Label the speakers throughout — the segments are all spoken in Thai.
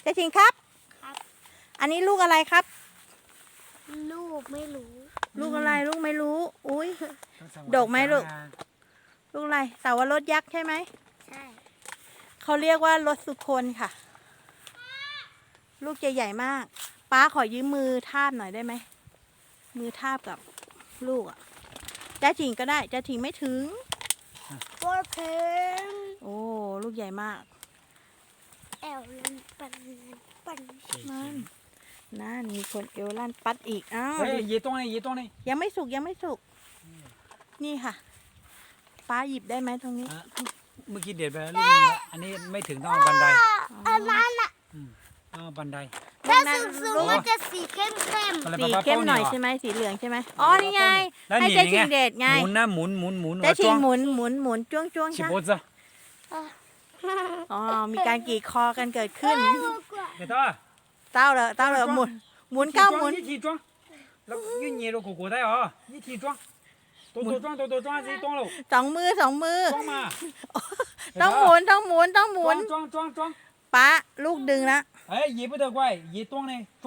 Speaker 1: จะชิงครับ
Speaker 2: ครับ
Speaker 1: อันนี้ลูกอะไรครับ
Speaker 2: ลูกไม่รู้
Speaker 1: ลูกอะไรลูกไม่รู้ อุ้ย ดกไหมลูก ลูกอะไรเสาวรสยักษ์ใช่ไหม
Speaker 2: ใช่
Speaker 1: เขาเรียกว่ารสสุคนค่ะ ลูกจะใหญ่มาก ป้าขอยืมมือทาบหน่อยได้ไหม มือทาบกับลูกอ่ะจ้าถิงก็ได้จ้าถิงไม่ถึง
Speaker 2: โคตรเพน
Speaker 1: โอ้ลูกใหญ่มาก
Speaker 2: แอลลันปัน
Speaker 1: นั่นมีคนเอวลั่นปัดอีกอ้าว
Speaker 3: เฮ้ยยีตรงนี้ยีตรงนี้
Speaker 1: ยังไม่สุกยังไม่สุก นี่ค่ะ ป้าหยิบได้ไหมตรงนี้
Speaker 3: เมื่อกี้เด็ดไปแล้วลูกนึงละอันนี้ไม่ถึงต้องเอาบันได
Speaker 2: อันนั้นอ่ะ
Speaker 3: ต้องเอาบันได
Speaker 2: ถ้าสูงๆมันจะสีเข้ม
Speaker 1: สีเข้มหน่อยใช่ไหมสีเหลืองใช่ไหมอ๋อนี่ไง
Speaker 3: แล้ว
Speaker 1: ให้
Speaker 3: หนี
Speaker 1: เจ๊
Speaker 3: ไง
Speaker 1: ชิงเด็ดไง
Speaker 3: หมุนนะหมุนหมุนหมุน
Speaker 1: เจ๊ชิงห
Speaker 3: มุน
Speaker 1: หมุนจ้วงจ้วง
Speaker 3: ชิ
Speaker 1: ใช่
Speaker 3: โบซ่า
Speaker 2: ๆ
Speaker 1: อ๋อมีการกรีดคอกันเกิดขึ้น
Speaker 3: เด็ดต่อ
Speaker 1: เต้าเลยหมุนก้าวหมุน
Speaker 3: 一起装แล้ว越捏着果果带啊一起装多装自己装喽
Speaker 1: สองมือ
Speaker 3: 装嘛
Speaker 1: ต้องหมุนต้องหมุน
Speaker 3: 装
Speaker 1: ป้าลูกดึงละ
Speaker 3: 哎也不得怪也装呢装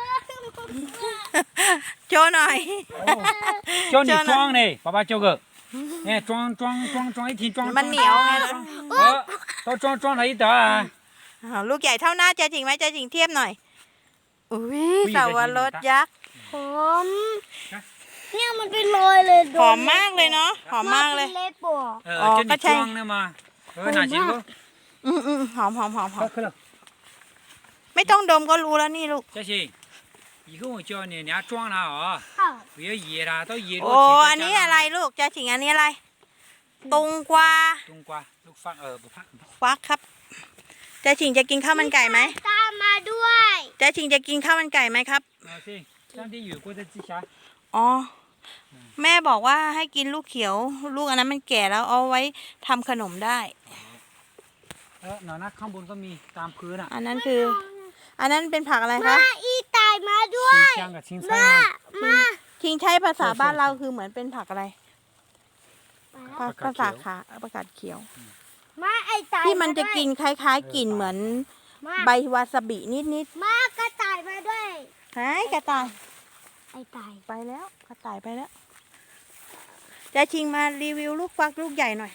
Speaker 1: โชว์หน่อย
Speaker 3: 叫你装呢爸爸教个哎装一起装
Speaker 1: มันเหนียวไงล่ะ
Speaker 3: 都装了一打
Speaker 1: อ้าวลูกใหญ่เท่าหน้าเจ๊จิงไหมเจ๊จิงเทียบหน่อยอุ้ยเสาวรสยักษ์
Speaker 2: หอมเนี่ยมันเป็นรอยเลย
Speaker 1: หอมมากเลยเนาะหอมมากเลย
Speaker 2: เล็ดปวก
Speaker 3: 叫你装呢嘛哪几个
Speaker 1: หอม
Speaker 3: 可了
Speaker 1: ไม่ต้องดมก็รู้แล้วนี่ลูก
Speaker 3: 这行以后我叫你人家装了啊
Speaker 2: อ้าว
Speaker 3: 不要野了都野
Speaker 1: โอ้อันนี้อะไรลูกเจ๊จิงอันนี้อะไรตุงกวา
Speaker 3: 冬瓜ลูกฟัก不怕
Speaker 1: ฟักครับเจ๊จิงจะกินข้าวมันไก่ไหม
Speaker 2: ตามมาด้วย
Speaker 1: เจ๊จิงจะกินข้าวมันไก่ไหมครับ
Speaker 3: 行上帝有过的记下
Speaker 1: อ๋อแม่บอกว่าให้กินลูกเขียว ลูกอันนั้นมันแก่แล้วเอาไว้ทำขนมได้
Speaker 3: หนอนนะข้างบนก็มีตามพื้นอ่ะ
Speaker 1: อันนั้นคือ อันนั้นเป็นผักอะไร
Speaker 2: มา
Speaker 1: คะ
Speaker 2: อีตายมาด้วย
Speaker 3: ชิงช่างกับชิงไส้
Speaker 2: มา
Speaker 1: ทิ้งใช้ภาษาบ้านเราคือเหมือนเป็นผักอะไรภาษาขาประกาศเขียว
Speaker 2: มาไอตาย
Speaker 1: ที่มันจะกินคล้ายๆกลิ่นเหมือนใบวาซาบินิด
Speaker 2: มากระต่ายมาด้วย
Speaker 1: ๆหายกระต่าย
Speaker 2: ไอตาย
Speaker 1: ไปแล้วกระต่ายไปแล้วจะชิงมารีวิวลูกฟักลูกใหญ่หน่อย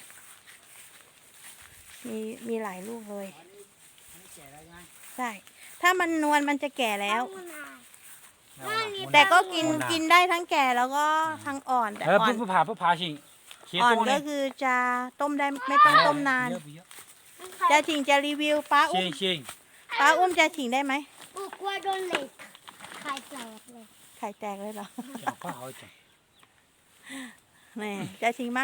Speaker 1: มีหลายลูกเลยใช่ถ้ามันนวลมันจะแก่แล้ว แต่ก็กินได้ทั้งแก่แล้วก็ทั้งอ่อนแต่อ่อน
Speaker 3: 不爬行
Speaker 1: อ่อนก็คือจะต้มได้ไม่ต้องต้มนานจะชิงจะรีวิวป้าอุ้ม
Speaker 3: 行
Speaker 1: ป้าอุ้มจะชิงได้ไหม
Speaker 2: กูกลัวโดนเหล็กไข่แตกเลย
Speaker 1: ไข่แตกเลยเหรอ
Speaker 3: 讲话好讲
Speaker 1: นี่จะชิงมา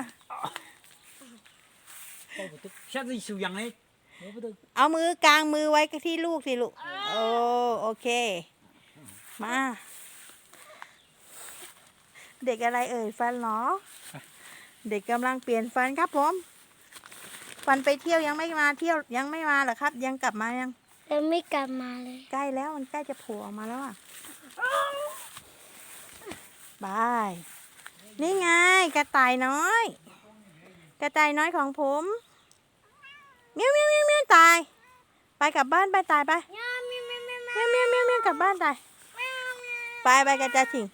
Speaker 3: 下次收养嘞我不得
Speaker 1: เอามือกลางมือไว้ที่ลูกสิลูกโอเค มา เด็กอะไรเอ่ยฟันเหรอ เด็กกำลังเปลี่ยนฟันครับผม ฟันไปเที่ยวยังไม่มาเที่ยวยังไม่มาเหรอครับ ยังกลับมายัง
Speaker 2: ยังไม่กลับมาเลย
Speaker 1: ใกล้แล้วมันใกล้จะโผล่ออกมาแล้วอ่ะบาย นี่ไงกระต่ายน้อย กระต่ายน้อยของผมเมียวเมียวเมียวเมียวตาย ไปกลับบ้านไปตายไปเมียวเมียวเมียวเมียวกลับบ้านตายไปกระจายถิง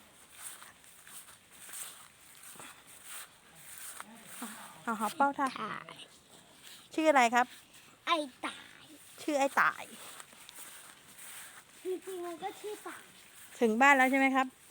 Speaker 1: เอาหอเป้าท่าชื่ออะไรครับ
Speaker 2: ไอตาย
Speaker 1: ชื่อไอ้ตาย
Speaker 2: จริงๆมันก็ชื่อตาย
Speaker 1: ถึงบ้านแล้วใช่ไหมครับ